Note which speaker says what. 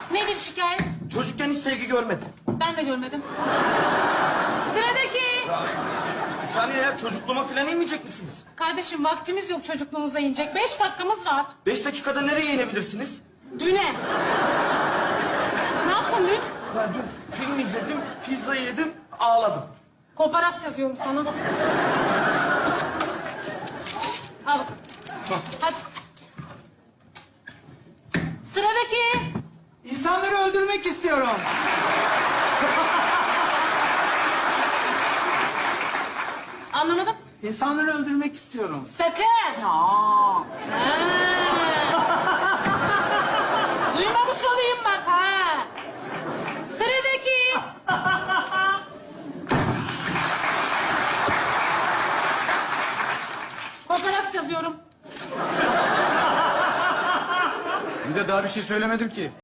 Speaker 1: Nedir şikayet?
Speaker 2: Çocukken hiç sevgi görmedim.
Speaker 1: Ben de görmedim. Sıradaki.
Speaker 2: Bir saniye ya, çocukluğuma falan inmeyecek misiniz?
Speaker 1: Kardeşim vaktimiz yok çocukluğumuza inecek. 5 dakikamız var.
Speaker 2: 5 dakikada nereye inebilirsiniz?
Speaker 1: Düne. Ne yaptın dün?
Speaker 2: Ben dün film izledim, pizza yedim, ağladım.
Speaker 1: Koparaks yazıyorum sana. Al. Hadi. Sıradaki.
Speaker 3: İnsanları öldürmek istiyorum.
Speaker 1: Anlamadım.
Speaker 3: İnsanları öldürmek istiyorum.
Speaker 1: Sakın.
Speaker 3: Aa.
Speaker 1: Ha. Duymamış olayım bak ha. Sıradaki. Koparaks yazıyorum.
Speaker 4: Bir de daha bir şey söylemedim ki.